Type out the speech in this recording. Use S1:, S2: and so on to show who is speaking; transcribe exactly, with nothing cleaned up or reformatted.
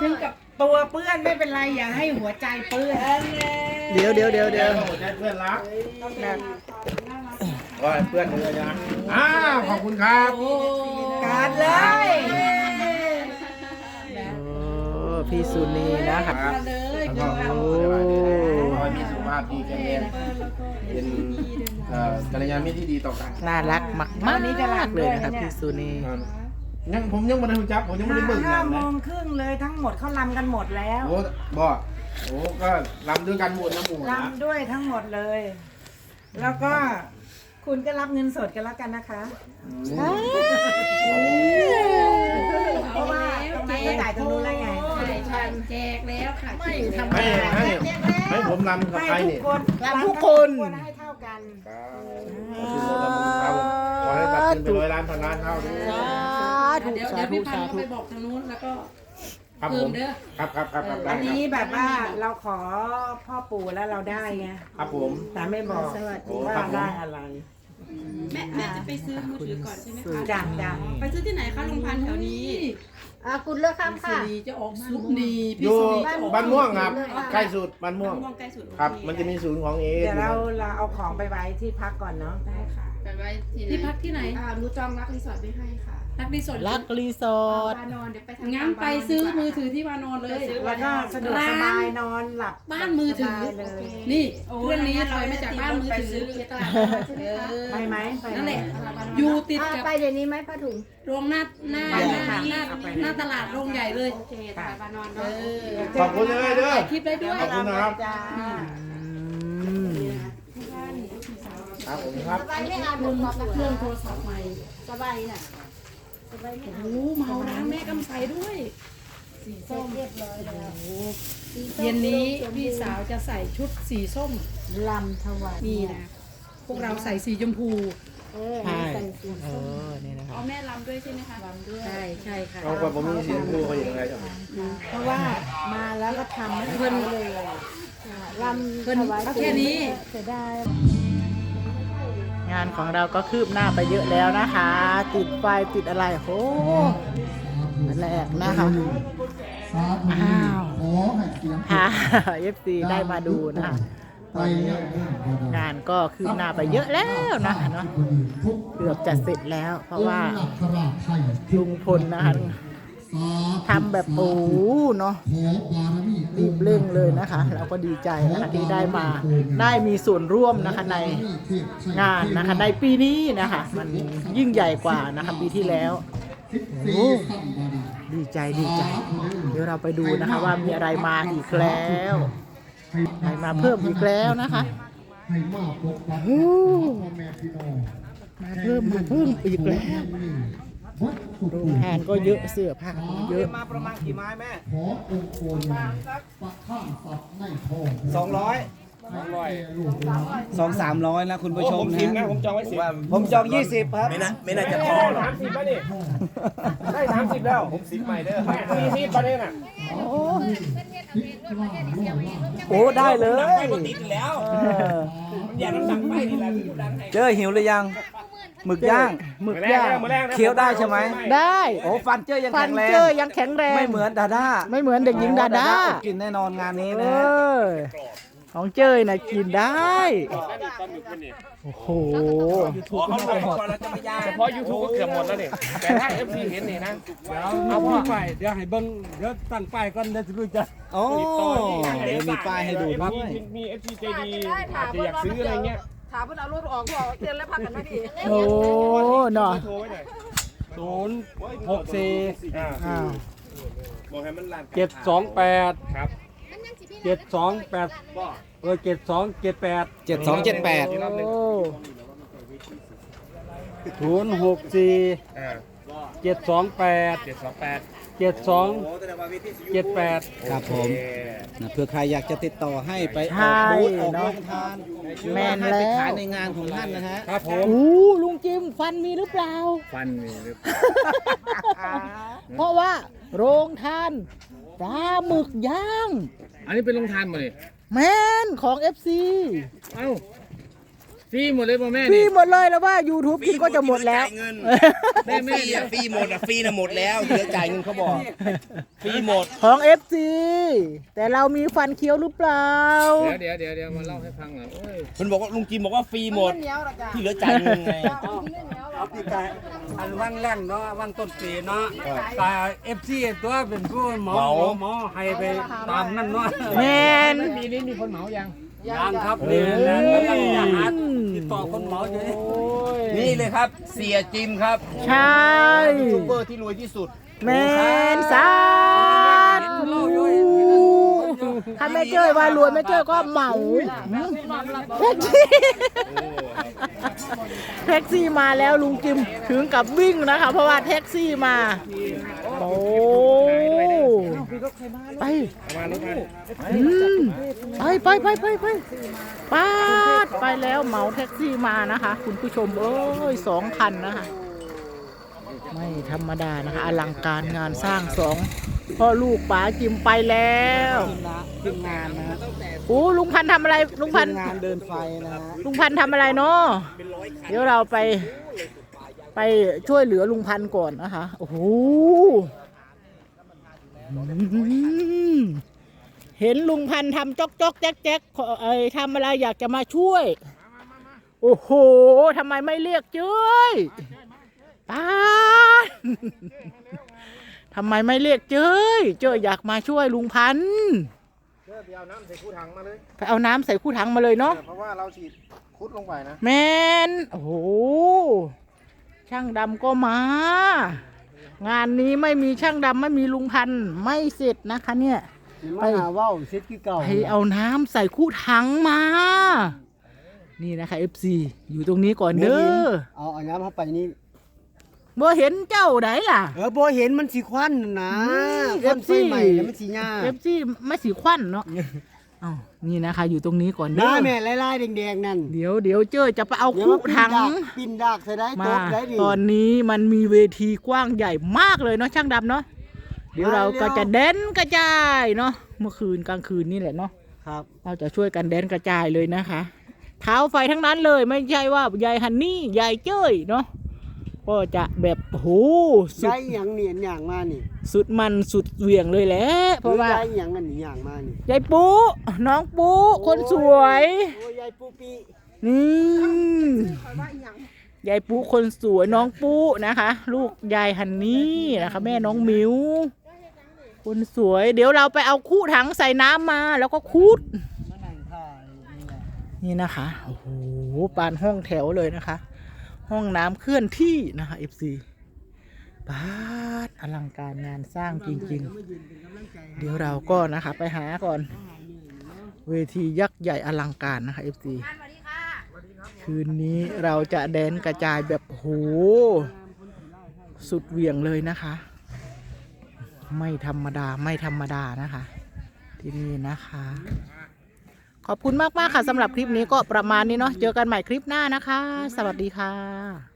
S1: ถึงกับตัวเปื้อนไม่เป็นไรอย่าให้หัวใจเปื้อน
S2: เดี๋ยวเดี๋ยวเดี๋ยวเดี๋ยว
S3: หัวใจเพื่อนรักว่าเพื่อนเลยนะอ้าวขอบคุณครับ
S1: การเลย
S2: โอ้พี่สุนีนะครับ
S3: แล้วก็ขอให้มีสุขภาพดีแข็งแรงเป็นเอ่อกัลยาณมิตรที่ดีต่อกัน
S2: น่ารักมากมากเลยนะครับพี่สุนี
S3: ยังผมยังไม่ได้รู้จักผมยังไม่ได้เบิ่ง
S1: ห้าง
S3: าน
S1: โม
S3: นะ
S1: งครึ่งเลยทั้งหมดเขาลำกันหมดแล้ว
S3: โอ้บ่โอ้ก็รำด้วยกันหมดนะหมู่นะ
S1: ลำด้วยทั้งหมดเลย แล้วก็คุณก็รับเงินสดกันแล้วกันนะคะเพราะว่าตรงนั้นก็จ่ายตรงนู้นแล้วไง
S4: แจกแล้วค่ะไม่ทำ
S3: ให้ให้ให้ผมรำกับใคร
S1: ให้ทุ
S3: นี่
S1: กคน
S2: รับทุกคน
S1: ให้เท่ากัน
S3: ครับขอให้ตัดสินไปร้อยล้านพันล้านเท่าด้วย
S2: สาธุ
S4: เดี๋ยว
S2: สา
S4: เดี๋ยว
S2: ธุ
S4: พี่พัน
S2: สา
S4: ธุ์
S2: ธุ
S4: ไปบอกทางนู้นแล้วก็
S3: ครับผมครับครับครับครับได้
S1: อัน
S3: ค
S1: นี้
S3: รับ
S1: แบบว่าเราขอพ่อปู่แล้วเราได้ไง
S3: ครับผม
S1: แต่ไม่บอก
S3: โอ้
S1: ว่า
S3: ครับผม
S1: ได้อะไร
S4: แม่แม่จะไปซื้อมือถือก่อนใช่ไหมคะ
S1: จ้ะจ้ะ
S4: ไปซื้อที่ไหนคะลุงพันธุ์แถวนี้
S5: อ่าคุณเลือกข้าม
S4: สุ
S5: ค่ะ
S4: รีจะออกสุนี
S3: อ
S4: พี่
S3: ยู่
S4: สุรีจะออก
S3: บ้านม่วงครับใกล้สุดบ้านม่วง
S4: ม่วงใกล้สุด
S3: ครับ มันจะมีศูนย์ของเอ
S1: เดี๋ยวเราเราเอาของไปไว้ที่พักก่อนเนาะ
S4: ได้ค่ะ
S6: ไปไว้ที่ไหน
S4: ที่พักที่ไหน
S6: อ่าหนูจองรักรีสอร์ทไว้ให้ค่ะ
S4: รักรีสอร์ท
S2: รักรีสอร์ท
S6: วานอนเดี๋ยวไปทำ
S4: งั้นไปซื้อมือถือที่วานอนเลย
S1: แล้วก็สะดวกสบายนอนหลับ
S4: บ้านมือถือ
S1: สบายเลย
S4: นี่เครื่องนี้ถอยมาจากบ้านมือถือ
S6: ตลาดใช่ไหมคะ
S1: ไปไหมไป
S4: นั่นแหละ
S6: ตลาดวานอน
S4: อยู่ติด
S5: อ่า
S4: กับ
S5: ไปเดี๋ยวนี้ไหมผ้าถุง
S4: โรงหน้าหน้า
S1: ไป
S4: ห
S1: เลย
S4: น้า
S1: ค่ะ
S4: หน้า
S1: เอาไป
S4: หน้าตลาดโรงใหญ่เลย
S6: โอเคตลาดวานอน
S4: เอ
S6: เนาะ
S4: อ
S3: ขอบคุณเลยเด้อ
S4: ถ่ายคลิปได้ด้วย
S3: ขอบคุณนะครับ
S1: จ้า
S2: อืม
S3: ครับผมครับ
S5: สบายไม่อ่านบทความ
S4: เครื่องโทรศัพท์ใหม่
S5: สบายน่ะสบายไม่อ่าน
S4: โอ้เมาร้านแม่กำไสด้วย
S5: สีส้มเรียบร้อยแล้วสีส้ม
S4: เย็นนี้พี่สาวจะใส่ชุดสีส้ม
S5: ลำถวาย
S4: นี่นะ พวกเราใส่สีชมพู
S5: เออ
S2: ใช่
S5: ใส่สี
S2: เอ
S5: ส้ม
S2: อนี่นะครั
S4: เอา
S2: บ
S4: แม่ลำด้วยใช่ไหมคะลำด้วยใช่ใช่ค่ะ
S3: เอาความผมมีเสียงพูเขาอย่างไรจ้ะ
S1: เพราะว่ามาแล้วก็ทำให้
S4: เพิ่น
S1: เลย
S5: ลำ
S4: เพิ่น
S5: ถวาย
S4: เอาแค่นี้
S5: เสียดาย
S2: งานของเราก็คืบหน้าไปเยอะแล้วนะคะ ติดไฟติดอะไรโอ้แรกนะคะอ้าวพาเอฟซีได้มาดูนะคะตอนนี้งานก็คืบหน้าไปเยอะแล้วนะคะเนาะเกือบจะเสร็จแล้ว เพราะว่าลุงพลนะคะทำแบบโอ้เนาะรีบเร่งเลยนะคะเราก็ดีใจนะคะที่ได้มาได้มีส่วนร่วมนะคะในงานนะคะในปีนี้นะคะมันยิ่งใหญ่กว่านะคะปีที่แล้วโอ้ดีใจดีใจ เดี๋ยวเราไปดูนะคะว่ามีอะไรมาอีกแล้วอะไรมาเพิ่มอีกแล้วนะคะโอ้มาเพิ่มมาเพิ่มอีกแล้วโรงทานก็เยอะเสื้อผ้าก็เยอะ
S7: มาประมาณกี่ไม้แม่
S8: ขอองค์โคนปะข้างสับในทอง
S7: สองร้อย
S8: สองร้อย
S7: สองสามร้อยนะคุณผู้ชม
S3: ผมสิบนะผมจองไว้สิบ
S7: ผมจองยี่สิบครับ
S3: ไม่น่าไม่น่าจะพอหรอกสามสิบแล้วนี่ได้สามสิบแล้วผมสิบใหม่เด้อสี่สิบประเด็นอ่ะ
S7: โอ้ได้เลย
S3: ติดแล้วมันอยากดังไปนี่แหละดังให้
S7: เจอหิวหรือยังหมึกย่าง
S2: หมึกย่าง
S7: เคี้ยวได้ใช่ไหม
S2: ได้
S7: โอ้ฟันเจอยัง
S2: ฟั
S7: แข็
S2: น
S7: งแรง
S2: เจอยังแข็งแรง
S7: ไม่เหมือนดาด้า
S2: ไม่เหมือนเด็กหญิงดาด้า
S7: อดกินแน่นอนงานนี้
S2: เอ
S7: นะฮะ
S2: อของเจ้ยนะกินได้โอ้โห
S3: อ๋อเขาถ่ายก่อนแล้วจะไม่ยากเฉพาะยูทูบก็เกือบหมดแล้วนี่แต่ถ้าเอฟซีเห็นนี่นะ
S9: เอาพี่ไปเดี๋ยวให้เบิ้งเดี๋ยวตั้งป้ายก่อนเดี๋ยวจะรู้จัก
S7: โอ้เดี๋ยวมีป้ายให้ดูด้วย
S3: มีเอฟซีใจดีอาจจะอยากซื้ออะไรเงี้ย
S6: ถามเพื่อนเอารถออกบอกเตือนแล้วพักกันไหมพี่
S2: โอ้เนาะ
S3: โทรไว้หน่อย
S9: ศูนย์หกสี่
S3: อ่า
S2: อ้าว
S3: บอกให้มันลาน
S9: เจ็ดสองแปด
S3: ครับ
S9: เจ็ดสองแปดเออเจ็ดสองเจ็ดแปด
S7: เจ็ดสองเจ็ดแปด
S3: อีกรอบหนึ่ง
S2: โอ้
S9: ศูนย์หกสี่
S3: อ่า
S9: เจ็ดสองแปด
S3: เจ็ดสองแปด
S9: เจ็ดสองเจ็ดแปด
S7: ครับผมนะเพื่อใครอยากจะติดต่อให้ไปอ
S2: ใช่
S7: อกบูธออกโร
S2: เนาะ
S7: งทาน
S2: แม่น
S7: ให้
S2: แล้
S7: ไป
S2: ว
S7: ขายในงานของท่านนะฮะ
S9: ครับผม
S2: โอ้ลุงจิมฟันมีหรือเปล่า
S3: ฟันมีหรือ
S2: เพราะว่าโรงทานปลาหมึกย่าง
S3: อันนี้เป็นโรงทานมาเลย
S2: แมนของ เอฟ ซี
S3: เอ้า
S9: ฟรีหมดเลยป่ะแม่
S2: ฟรี
S9: นี่
S2: หมดเลยแล้วว่า YouTube กินก็จะหมดแล้ว
S3: เงินแม่แม่ฟรีหมดอ่ะฟรีน่ะหมดแล้วเหลือจ่ายเงินเขาบอกฟรีหมด
S2: ของ เอฟ ซี แต่เรามีฟันเคี้ยวหรือเปล่า
S9: เดี๋ยวเดี๋ยวเดี๋ยวมาเล่าให้ฟังหน่อยโอ้ย
S3: มันบอกว่าลุงจิมบอกว่าฟรีหมดที่เหลือจ่ายเงินไง
S9: เอาปีกายอันว่างแรงเนาะว่างต้นปีเนาะตาเอฟซีตัวเป็นผู้หมอหมอหมอให้ไปตามนั่นเนาะ
S2: แมน
S9: ปีนี้มีคนเหมายังยังครับนี่แหละกำลังจะหาติดต่อคนเหมาอยู่นี่
S3: นี่เลยครับเสียจิมครับ
S2: ใช่
S3: ยูทูบเบอร์ที่รวยที่สุด
S2: แมนสาธุถ้าแม่เจ้ยว่ารวยแม่เจ้ยก็เหมาแท็กซี่แท็กซี่มาแล้วลุงจิมถึงกับวิ่งนะคะ เพราะว่าแท็กซี่มาโอ้ไปอืมไปไปไปไปไปปาดไปแล้วเหมาแท็กซี่มานะคะ คุณผู้ชมเอ้ยสองคันนะคะไม่ธรรมดานะคะอลังการงานสร้างสองพ่อลูกป๋าจิมไปแล้วทีมงานนะโอ้ลุงพันธุ์ทำอะไรลุงพันธุ์งานเดินไฟนะลุงพันธุ์ทำอะไรเนาะเดี๋ยวเราไปไปช่วยเหลือลุงพันธุ์ก่อนนะคะโอ้โหเห็นลุงพันธุ์ทำจ๊อกจ๊อกแจ๊กแจ๊กเอ้ยทำอะไรอยากจะมาช่วยโอ้โหทำไมไม่เรียกเจ้ยป้าทำไมไม่เรียกเจ้ยเจ้ยอยากมาช่วยลุงพันธุ์
S3: ไปเอาน้ำใส่คู่ถังมาเลย
S2: ไปเอาน้ำใส่คู่ถังมาเลยเนาะ
S3: เพราะว่าเราฉีดคุดลงไปนะ
S2: แมนโอ้โหช่างดำก็มา งานนี้ไม่มีช่างดำไม่มีลุงพันธุ์ไม่เสร็จนะคะเนี่ยไปหาว่าวเสร็จที่เก่าไปเอาน้ำใส่คู่ถังมานี่นะคะ เอฟ ซี อยู่ตรงนี้ก่อนเด้อเอาเอาน้ำเข้าไปนี่บ่เห็นเจ้าไหนล่ะเออบ่เห็นมันสีควันนะควันไฟใหม่แล้วมันสีหญ้าเอฟซีไม่สีควันเนาะอ้าวนี่นะคะอยู่ตรงนี้ก่อนเด้อแม่ลายๆแดงๆนั่นเดี๋ยวเดี๋ยวเจ้าจะไปเอาคู่ถังปินดากใส่ได้ตบได้ดิตอนนี้มันมีเวทีกว้างใหญ่มากเลยเนาะช่างดำเนาะเดี๋ยวเราก็จะเด่นกระจายเนาะเมื่อคืนกลางคืนนี่แหละเนาะครับเราจะช่วยกันเด่นกระจายเลยนะคะเท้าไฟทั้งนั้นเลยไม่ใช่ว่ายายฮันนี่ยายเจ้ยเนาะก็จะแบบโหสุดอย่างเนียนอย่างมานี่สุดมันสุดเหวี่ยงเลยแหละเพราะว่ายายอย่างนั้นอย่างมานี่ยายปูน้องปูคนสวยโอ้ยายปูปีนี่ยายปูคนสวยน้องปูนะคะ ลูกยายฮันนี่นะคะแม่น้องมิวคนสวยเดี๋ยวเราไปเอาคู่ถังใส่น้ำมาแล้วก็คูดนี่นะคะโอ้โหปานห้องแถวเลยนะคะห้องน้ำเคลื่อนที่นะคะ เอฟ ซี บาดอลังการงานสร้างจริงๆเดี๋ยวเราก็นะคะไปหาก่อนเวทียักษ์ใหญ่อลังการนะคะ เอฟ ซี คืนนี้เราจะแดนกระจายแบบโหสุดเหวี่ยงเลยนะคะ ไม่ธรรมดาไม่ธรรมดานะคะที่นี่นะคะขอบคุณมากๆค่ะสำหรับคลิปนี้ก็ประมาณนี้เนาะเจอกันใหม่คลิปหน้านะคะสวัสดีค่ะ